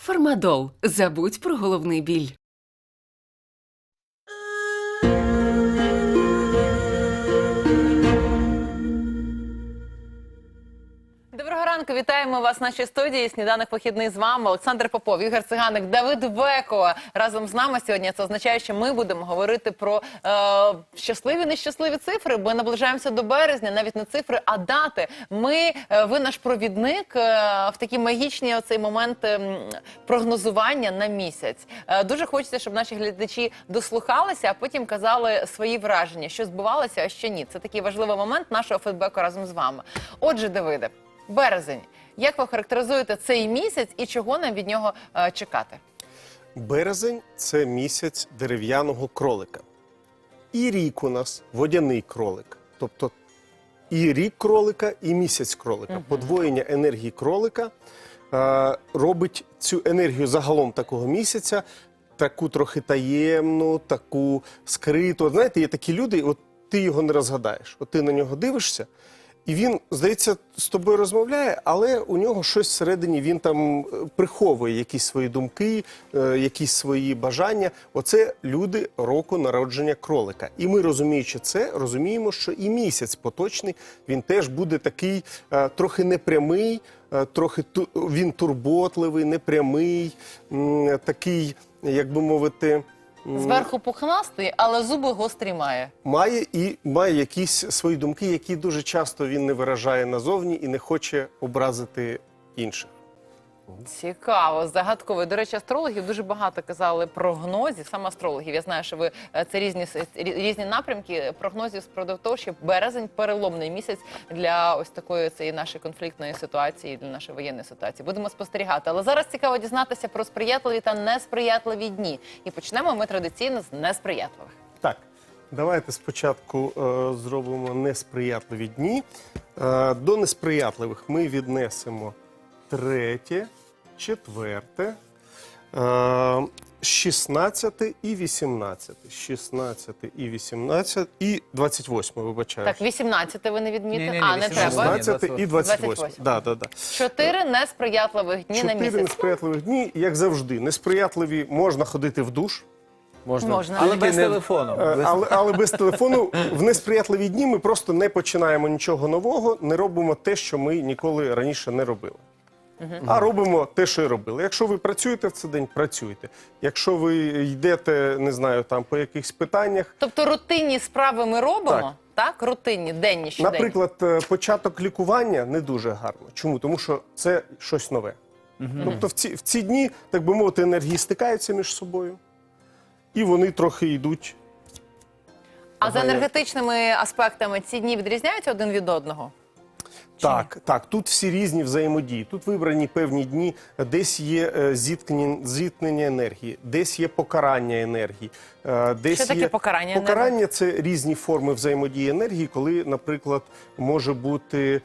Фармадол. Забудь про головний біль. Доброго ранку, вітаємо вас в нашій студії. Сніданок вихідний з вами. Олександр Попов, Ігор Циганик, Давид Веко разом з нами сьогодні. Це означає, що ми будемо говорити про щасливі, нещасливі цифри, бо наближаємося до березня, навіть не цифри, а дати. Ви наш провідник в такі магічні оцей момент прогнозування на місяць. Дуже хочеться, щоб наші глядачі дослухалися, а потім казали свої враження, що збувалося, а що ні. Це такий важливий момент нашого фідбеку разом з вами. Отже, Давиде, березень. Як ви характеризуєте цей місяць і чого нам від нього чекати? Березень – це місяць дерев'яного кролика. І рік у нас водяний кролик. Тобто і рік кролика, і місяць кролика. Подвоєння енергії кролика робить цю енергію загалом такого місяця таку трохи таємну, таку скриту. От знаєте, є такі люди, от ти його не розгадаєш. От ти на нього дивишся, і він, здається, з тобою розмовляє, але у нього щось всередині, він там приховує якісь свої думки, якісь свої бажання. Оце люди року народження кролика. І ми, розуміючи це, розуміємо, що і місяць поточний, він теж буде такий трохи непрямий, трохи він турботливий, непрямий, такий, як би мовити... Зверху пухнастий, але зуби гострі має. Має якісь свої думки, які дуже часто він не виражає назовні і не хоче образити інших. Цікаво, загадково. До речі, астрологів дуже багато казали прогнозів, саме астрологів. Я знаю, що ви це різні напрямки прогнозів з приводу того, що березень переломний місяць для ось такої цієї нашої конфліктної ситуації, для нашої воєнної ситуації. Будемо спостерігати. Але зараз цікаво дізнатися про сприятливі та несприятливі дні. І почнемо ми традиційно з несприятливих. Так, давайте спочатку зробимо несприятливі дні. До несприятливих ми віднесемо 3, 4, 16 і 18. 16 і 18 і 28, вибачаю. Так, 18 ви не відмітили? Ні, А, не треба. 16 і 28. Да. 4 несприятливих дні на 4 місяць. несприятливих дні, як завжди. Несприятливі можна ходити в душ. Можна. Але без телефону. Але без телефону в несприятливі дні ми просто не починаємо нічого нового, не робимо те, що ми ніколи раніше не робили. А робимо те, що і робили. Якщо ви працюєте в цей день, працюйте. Якщо ви йдете, не знаю, там по якихось питаннях. Тобто рутинні справи ми робимо, так? Рутинні, денні, щоденні. Наприклад, початок лікування не дуже гарно. Чому? Тому що це щось нове. Тобто в ці дні, так би мовити, енергії стикаються між собою. І вони трохи йдуть. А за енергетичними аспектами ці дні відрізняються один від одного? Так, тут всі різні взаємодії. Тут вибрані певні дні, десь є зіткнення енергії, десь є покарання енергії. Що таке покарання енергії? Покарання – це різні форми взаємодії енергії, коли, наприклад, може бути,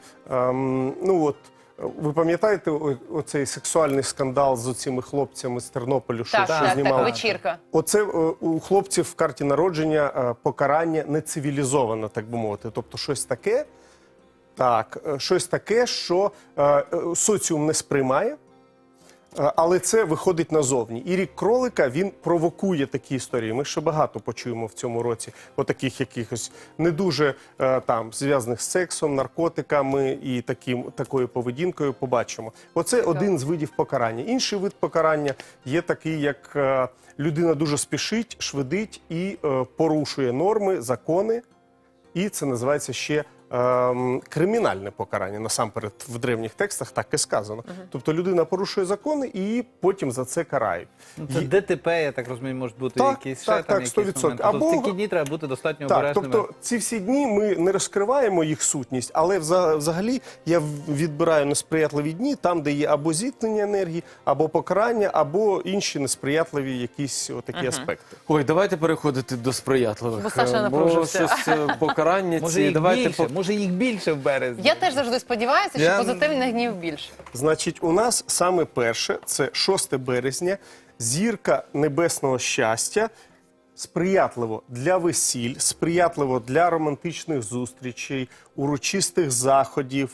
ви пам'ятаєте оцей сексуальний скандал з оцими хлопцями з Тернополю, що знімали? Так, вечірка. Оце у хлопців в карті народження покарання нецивілізоване, так би мовити. Тобто щось таке, щось таке, що соціум не сприймає, але це виходить назовні. І рік кролика, він провокує такі історії. Ми ще багато почуємо в цьому році отаких якихось не дуже зв'язаних з сексом, наркотиками і такою поведінкою побачимо. Оце один з видів покарання. Інший вид покарання є такий, як людина дуже спішить, швидить і порушує норми, закони. І це називається ще кримінальне покарання. Насамперед, в древніх текстах так і сказано. Тобто людина порушує закони і потім за це карають. Це ДТП, я так розумію, можуть бути якісь ще там якісь 100%. моменти. Тобто в такі дні треба бути достатньо обережними. Тобто ці всі дні ми не розкриваємо їх сутність, але взагалі я відбираю несприятливі дні там, де є або зіткнення енергії, або покарання, або інші несприятливі якісь отакі аспекти. Ой, давайте переходити до сприятливих. Бо Саша напружився. Покарання Може їх більше в березні. Я теж завжди сподіваюся, що позитивних днів більше. Значить, у нас саме перше, це 6 березня, зірка небесного щастя, сприятливо для весіль, сприятливо для романтичних зустрічей, урочистих заходів,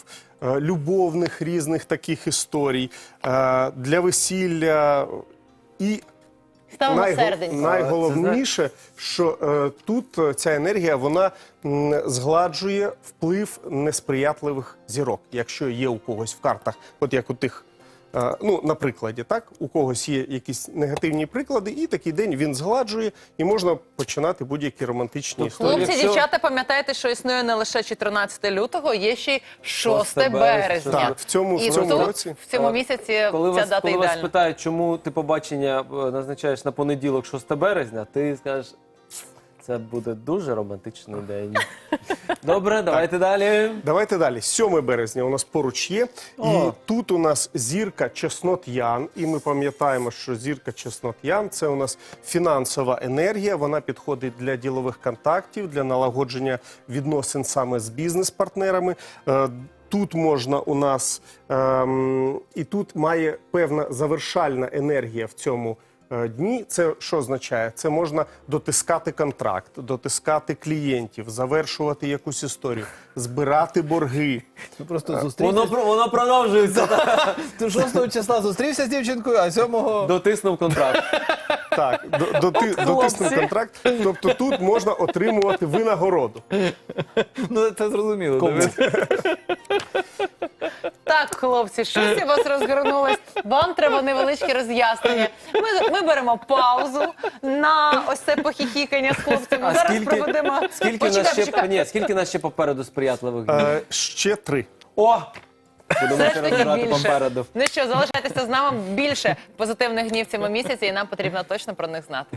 любовних різних таких історій, для весілля. І Ставимо серденько. найголовніше, що тут ця енергія, вона згладжує вплив несприятливих зірок. Якщо є у когось в картах, от як у тих, ну, на прикладі, так, у когось є якісь негативні приклади, і такий день він згладжує, і можна починати будь-які романтичні історії. Хлопці, Якщо- дівчата, пам'ятайте, що існує не лише 14 лютого, є ще й 6 6 березня. Так, в цьому І тут, році. в цьому місяці Коли ця дата коли вас ідеальна. питають, чому ти побачення назначаєш на понеділок, 6 березня, ти скажеш, це буде дуже романтичний день. Добре, давайте далі. Давайте далі. 7 березня у нас поруч є. І О. тут у нас зірка Чеснот Ян. І ми пам'ятаємо, що зірка Чеснот Ян – це у нас фінансова енергія. Вона підходить для ділових контактів, для налагодження відносин саме з бізнес-партнерами. Тут можна у нас, і тут має певна завершальна енергія в цьому дні. Це що означає? Це можна дотискати контракт, дотискати клієнтів, завершувати якусь історію, збирати борги. Ти просто зустрівся. Воно продовжується. Ти 6 числа зустрівся з дівчинкою, а 7-го... Дотиснув контракт. Так, дотиснути контракт. Тобто тут можна отримувати винагороду. Ну, це зрозуміло. Кому? Давид. Так, хлопці, щось у вас розгорнулось. Вам треба невеличке роз'яснення. Ми беремо паузу на ось це похіхікання з хлопцями. А Зараз проведемо... скільки скільки нас ще попереду сприятливих днів? Ще 3. О! Будемо Все ще ж таки розбирати більше. попереду. Ну що, залишайтеся з нами. Більше позитивних днів в цьому місяці, і нам потрібно точно про них знати.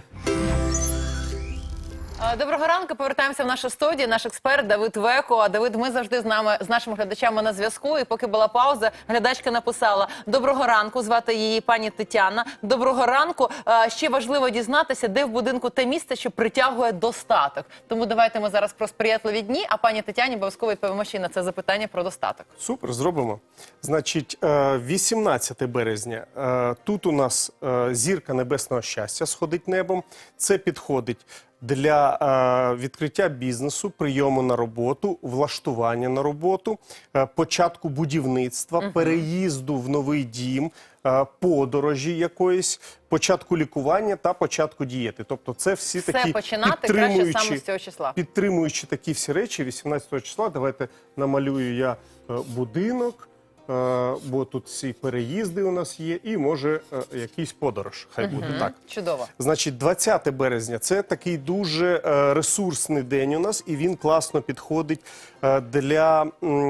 Доброго ранку, повертаємося в нашу студію. Наш експерт Давид Веко. А Давид, ми завжди з нашими глядачами на зв'язку. І поки була пауза, глядачка написала: доброго ранку, звати її пані Тетяна. Доброго ранку. Ще важливо дізнатися, де в будинку те місце, що притягує достаток. Тому давайте ми зараз про сприятливі дні, а пані Тетяні обов'язково відповімо ще й на це запитання про достаток. Супер, зробимо. Значить, 18 березня. Тут у нас зірка небесного щастя сходить небом. Це підходить для відкриття бізнесу, прийому на роботу, влаштування на роботу, початку будівництва, переїзду в новий дім, подорожі якоїсь, початку лікування та початку дієти. Тобто це всі Все такі починати краще саме з цього числа. підтримуючи такі всі речі 18 числа. Давайте намалюю я будинок, бо тут всі переїзди у нас є, і може якийсь подорож. Хай буде так. Чудово. Значить, 20 березня – це такий дуже ресурсний день у нас, і він класно підходить для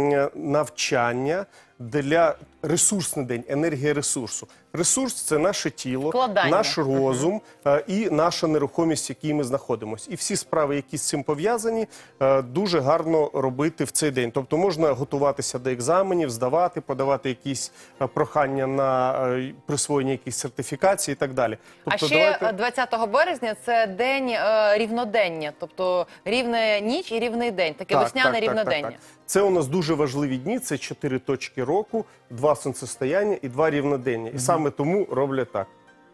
навчання, для ресурсний день, енергія ресурсу. Ресурс – це наше тіло, Вкладання. наш розум і наша нерухомість, в якій ми знаходимося. І всі справи, які з цим пов'язані, дуже гарно робити в цей день. Тобто можна готуватися до екзаменів, здавати, подавати якісь прохання на присвоєння якихось сертифікацій і так далі. А Тобто, ще 20 березня – це день рівнодення, тобто рівна ніч і рівний день, таке весняне рівнодення. Це у нас дуже важливі дні, це 4 точки року, 2 сонцестояння і 2 рівнодення. І саме тому роблять так.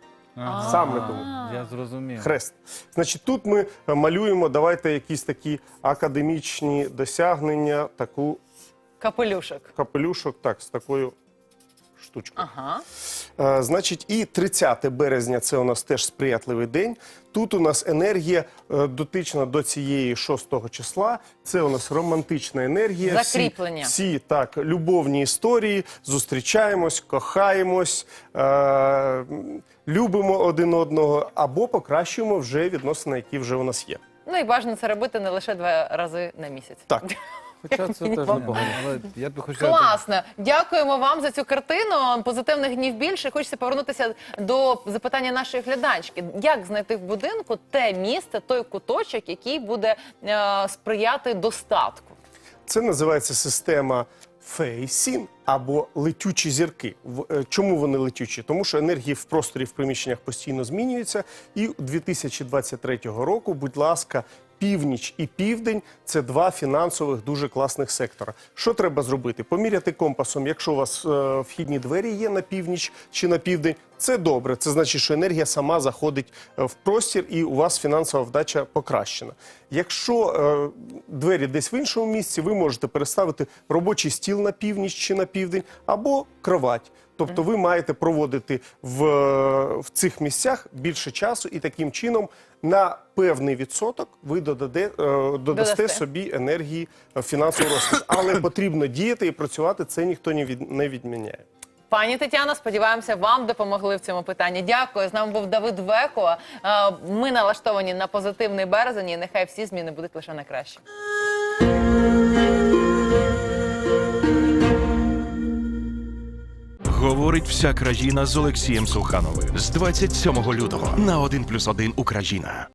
Саме тому. Я зрозумів. Хрест. Значить, тут ми малюємо, давайте якісь такі академічні досягнення, таку Капелюшок. капелюшок, так, з такою штучкою. Ага. Значить, і 30 березня – це у нас теж сприятливий день. Тут у нас енергія дотична до цієї 6 числа. Це у нас романтична енергія. Закріплення. Всі так, любовні історії, зустрічаємось, кохаємось, любимо один одного або покращуємо вже відносини, які вже у нас є. Ну і бажано це робити не лише 2 рази на місяць. Так. Хоча це теж непогано. Але я б хотів... Класно. Дякуємо вам за цю картину. Позитивних днів більше. Хочеться повернутися до запитання нашої глядачки. Як знайти в будинку те місце, той куточок, який буде сприяти достатку? Це називається система Фейсін або летючі зірки. Чому вони летючі? Тому що енергії в просторі, в приміщеннях постійно змінюються. І 2023 року, будь ласка, північ і південь – це два фінансових дуже класних сектора. Що треба зробити? Поміряти компасом, якщо у вас вхідні двері є на північ чи на південь, це добре. Це значить, що енергія сама заходить в простір і у вас фінансова вдача покращена. Якщо двері десь в іншому місці, ви можете переставити робочий стіл на північ чи на південь або кровать. Тобто ви маєте проводити в цих місцях більше часу і таким чином на певний відсоток ви додасте собі енергії фінансового розвитку. Але потрібно діяти і працювати, це ніхто не відміняє. Пані Тетяно, сподіваємося, вам допомогли в цьому питанні. Дякую. З нами був Давид Веко. Ми налаштовані на позитивний березень, і нехай всі зміни будуть лише на краще. Говорить вся країна з Олексієм Сухановим з 27 лютого на 1+1 Україна.